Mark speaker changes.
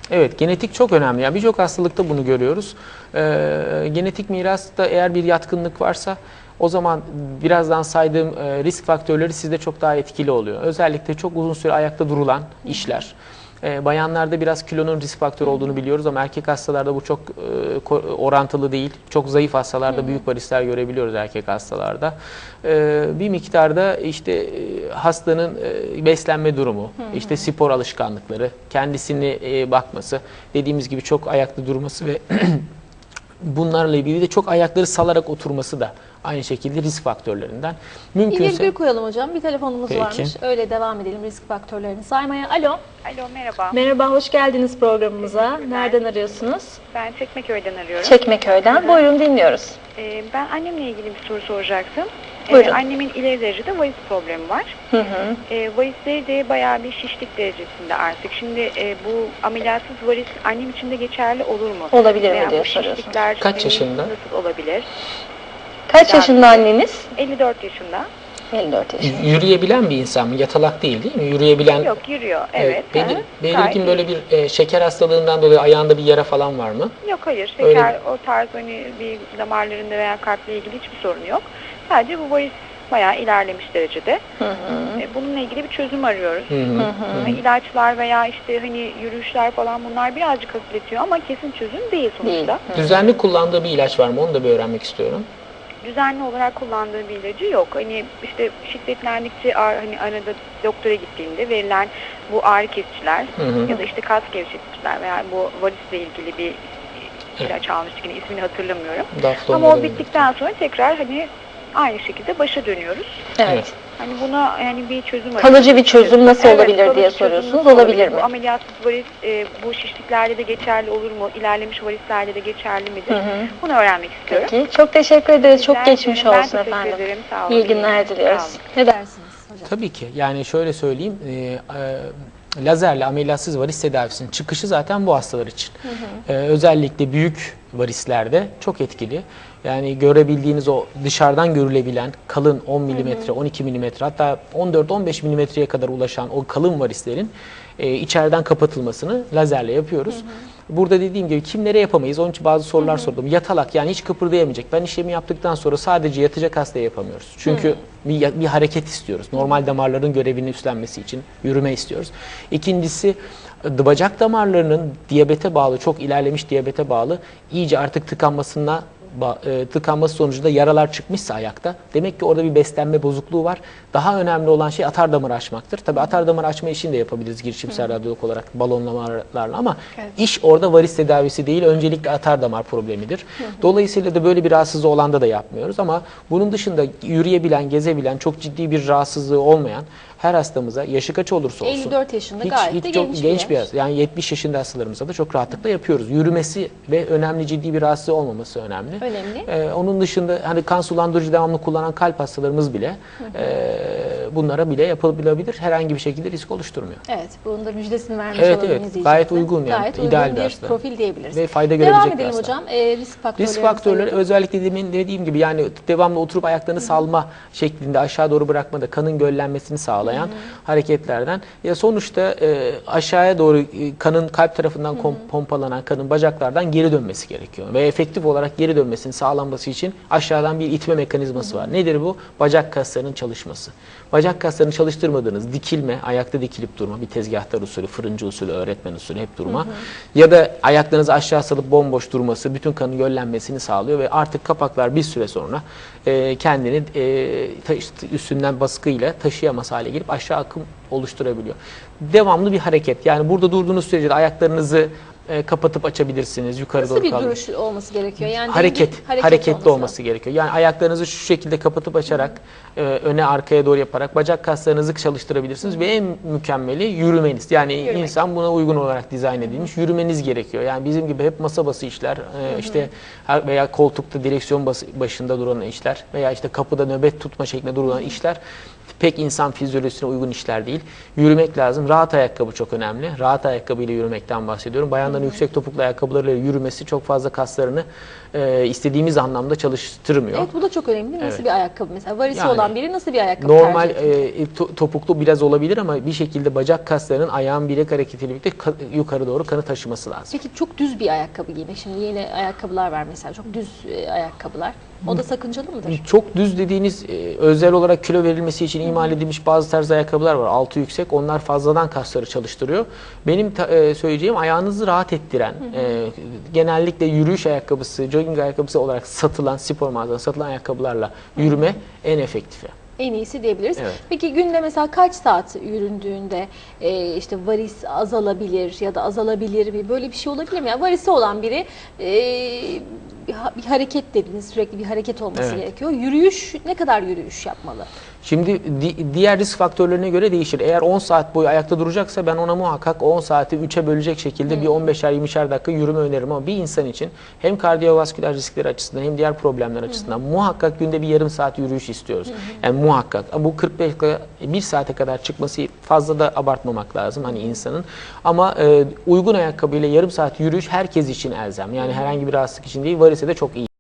Speaker 1: Evet, genetik çok önemli. Yani birçok hastalıkta bunu görüyoruz. Genetik mirasta eğer bir yatkınlık varsa o zaman birazdan saydığım risk faktörleri sizde çok daha etkili oluyor. Özellikle çok uzun süre ayakta durulan işler. Bayanlarda biraz kilonun risk faktörü olduğunu biliyoruz ama erkek hastalarda bu çok orantılı değil. Çok zayıf hastalarda büyük varisler görebiliyoruz erkek hastalarda. Bir miktarda işte hastanın beslenme durumu, işte spor alışkanlıkları, kendisini bakması, dediğimiz gibi çok ayakta durması ve bunlarla ilgili de çok ayakları salarak oturması da aynı şekilde risk faktörlerinden.
Speaker 2: Bir virgül koyalım hocam. Bir telefonumuz
Speaker 1: Peki.
Speaker 2: varmış. Öyle devam edelim risk faktörlerini saymaya. Alo.
Speaker 3: Alo, merhaba.
Speaker 2: Merhaba, hoş geldiniz programımıza. Nereden arıyorsunuz?
Speaker 3: Ben Çekmeköy'den arıyorum.
Speaker 2: Çekmeköy'den. Buyurun, dinliyoruz.
Speaker 3: Ben annemle ilgili bir soru soracaktım.
Speaker 2: Buyurun.
Speaker 3: Annemin ileri derecede varis problemi var. Varisleri de bayağı bir şişlik derecesinde artık. Şimdi bu ameliyatsız varis annem için de geçerli olur mu?
Speaker 2: Olabilir mi
Speaker 3: Veya
Speaker 2: diye
Speaker 3: bu
Speaker 2: soruyorsunuz.
Speaker 3: şişlikler
Speaker 1: Kaç yaşında?
Speaker 3: nasıl olabilir?
Speaker 2: Kaç yaşında anneniz?
Speaker 3: 54 yaşında.
Speaker 2: 54 yaşında.
Speaker 1: Yürüyebilen bir insan mı? Yatalak değil mi? Yürüyebilen...
Speaker 3: Yok, yürüyor. Evet.
Speaker 1: Belirgin böyle bir şeker hastalığından dolayı ayağında bir yara falan var mı?
Speaker 3: Yok, hayır. Şeker, o tarz hani bir damarlarında veya kalple ilgili hiçbir sorun yok. Sadece bu varis bayağı ilerlemiş derecede. Bununla ilgili bir çözüm arıyoruz. İlaçlar veya işte hani yürüyüşler falan bunlar birazcık hafifletiyor ama kesin çözüm değil sonuçta.
Speaker 1: Düzenli kullandığı bir ilaç var mı? Onu da bir öğrenmek istiyorum.
Speaker 3: Düzenli olarak kullandığı bir ilacı yok. Hani işte şiddetlendikçe hani arada doktora gittiğinde verilen bu ağrı kesiciler ya da işte kas gevşeticiler veya bu varisle ilgili bir ilaç almıştık, yine ismini hatırlamıyorum. Ama o bittikten sonra tekrar hani aynı şekilde başa dönüyoruz.
Speaker 2: Evet.
Speaker 3: Hani buna yani bir çözüm arıyoruz.
Speaker 2: Kalıcı bir çözüm nasıl olabilir diye soruyorsunuz. Olabilir mi?
Speaker 3: Bu ameliyatsız varis bu şişliklerde de geçerli olur mu? İlerlemiş varislerde de geçerli midir? Bunu öğrenmek istiyorum.
Speaker 2: Peki. Çok teşekkür ederiz. Çok geçmiş
Speaker 3: Ben
Speaker 2: olsun
Speaker 3: teşekkür
Speaker 2: efendim.
Speaker 3: ederim. Sağ olun.
Speaker 2: İyi günler diliyoruz.
Speaker 3: Sağ olun.
Speaker 2: Ne dersiniz hocam?
Speaker 1: Tabii ki. Yani şöyle söyleyeyim. Lazerle ameliyatsız varis tedavisinin çıkışı zaten bu hastalar için. Özellikle büyük varislerde çok etkili. Yani görebildiğiniz o dışarıdan görülebilen kalın 10 mm, 12 mm hatta 14-15 mm'ye kadar ulaşan o kalın varislerin içeriden kapatılmasını lazerle yapıyoruz. Burada dediğim gibi kimlere yapamayız? Onun için bazı sorular sordum. Yatalak, yani hiç kıpırdayamayacak. Ben işlemi yaptıktan sonra sadece yatacak hastaya yapamıyoruz. Çünkü bir hareket istiyoruz. Normal damarların görevini üstlenmesi için yürüme istiyoruz. İkincisi, bacak damarlarının diyabete bağlı, çok ilerlemiş diyabete bağlı iyice artık tıkanması sonucunda yaralar çıkmışsa ayakta, demek ki orada bir beslenme bozukluğu var. Daha önemli olan şey atar damarı açmaktır. Tabii atar damarı açma işini de yapabiliriz girişimsel radyolog olarak balonlamalarla ama iş orada varis tedavisi değil, öncelikle atar damar problemidir. Dolayısıyla da böyle bir rahatsızlığı olanda da yapmıyoruz ama bunun dışında yürüyebilen, gezebilen, çok ciddi bir rahatsızlığı olmayan her hastamıza, yaşı kaç olursa olsun,
Speaker 2: 54 yaşında gayet de
Speaker 1: çok genç bir hasta. Yani 70 yaşında hastalarımıza da çok rahatlıkla yapıyoruz. Yürümesi ve önemli ciddi bir rahatsızlığı olmaması önemli. Onun dışında hani kan sulandırıcı devamlı kullanan kalp hastalarımız bile bunlara bile yapılabilir. Herhangi bir şekilde risk oluşturmuyor.
Speaker 2: Evet, bunun da müjdesini vermiş
Speaker 1: Evet,
Speaker 2: olalım izleyicilerimize.
Speaker 1: gayet uygun yani.
Speaker 2: Gayet
Speaker 1: ideal
Speaker 2: uygun
Speaker 1: bir
Speaker 2: bir
Speaker 1: hasta.
Speaker 2: profil diyebiliriz.
Speaker 1: Ve fayda görebilecek
Speaker 2: Devam
Speaker 1: bir
Speaker 2: edelim
Speaker 1: hasta.
Speaker 2: hocam. Risk faktörleri
Speaker 1: özellikle dediğim gibi yani devamlı oturup ayaklarını salma şeklinde aşağı doğru bırakmada kanın göllenmesini sağlayan hareketlerden. Ya sonuçta aşağıya doğru kanın kalp tarafından pompalanan kanın bacaklardan geri dönmesi gerekiyor. Ve efektif olarak geri dönmesini sağlanması için aşağıdan bir itme mekanizması var. Nedir bu? Bacak kaslarının çalışması. Bacak kaslarını çalıştırmadığınız dikilme, ayakta dikilip durma, bir tezgahtar usulü, fırıncı usulü, öğretmen usulü hep durma. Ya da ayaklarınızı aşağı salıp bomboş durması bütün kanın göllenmesini sağlıyor ve artık kapaklar bir süre sonra kendini üstünden baskıyla taşıyamaz hale gelip aşağı akım oluşturabiliyor. Devamlı bir hareket. Yani burada durduğunuz sürece de ayaklarınızı kapatıp açabilirsiniz. Yukarı
Speaker 2: Nasıl
Speaker 1: doğru
Speaker 2: bir
Speaker 1: kalın.
Speaker 2: duruş olması gerekiyor? Yani
Speaker 1: hareketli olması gerekiyor. Yani ayaklarınızı şu şekilde kapatıp açarak, öne arkaya doğru yaparak bacak kaslarınızı çalıştırabilirsiniz ve en mükemmeli yürümeniz. Yani insan buna uygun olarak dizayn edilmiş. Yürümeniz gerekiyor. Yani bizim gibi hep masa bası işler, işte veya koltukta direksiyon başında duran işler veya işte kapıda nöbet tutma şeklinde duran işler pek insan fizyolojisine uygun işler değil. Yürümek lazım. Rahat ayakkabı çok önemli. Rahat ayakkabıyla yürümekten bahsediyorum. Bayanların yüksek topuklu ayakkabılarıyla yürümesi çok fazla kaslarını istediğimiz anlamda çalıştırmıyor.
Speaker 2: Evet, bu da çok önemli. Nasıl
Speaker 1: Evet.
Speaker 2: bir ayakkabı mesela? Varisi
Speaker 1: Yani
Speaker 2: olan biri nasıl bir ayakkabı
Speaker 1: normal
Speaker 2: tercih ediyor?
Speaker 1: topuklu biraz olabilir ama bir şekilde bacak kaslarının ayağın bilek hareketiyle birlikte yukarı doğru kanı taşıması lazım.
Speaker 2: Peki çok düz bir ayakkabı giymek. Şimdi yeni ayakkabılar var mesela. Çok düz ayakkabılar. O da sakıncalı mıdır?
Speaker 1: Çok düz dediğiniz özel olarak kilo verilmesi için imal edilmiş bazı tarz ayakkabılar var. Altı yüksek. Onlar fazladan kasları çalıştırıyor. Benim söyleyeceğim ayağınızı rahat ettiren, genellikle yürüyüş ayakkabısı, jogging ayakkabısı olarak satılan, spor mağazasında satılan ayakkabılarla yürüme en efektifi.
Speaker 2: En iyisi diyebiliriz.
Speaker 1: Evet.
Speaker 2: Peki günde mesela kaç saat yüründüğünde işte varis azalabilir ya da azalabilir mi? Böyle bir şey olabilir mi? Yani varisi olan biri bir hareket dediniz, sürekli bir hareket olması
Speaker 1: Evet.
Speaker 2: gerekiyor. Yürüyüş, ne kadar yürüyüş yapmalı?
Speaker 1: Şimdi diğer risk faktörlerine göre değişir. Eğer 10 saat boyu ayakta duracaksa ben ona muhakkak 10 saati 3'e bölecek şekilde bir 15'er 20'şer dakika yürüme öneririm ama bir insan için hem kardiyovasküler riskleri açısından hem diğer problemler açısından muhakkak günde bir yarım saat yürüyüş istiyoruz. Yani muhakkak. Bu 45 dakika 1 saate kadar çıkması fazla da abartmamak lazım hani insanın. Ama uygun ayakkabıyla yarım saat yürüyüş herkes için elzem. Yani herhangi bir rahatsızlık için değil, varise de çok iyi.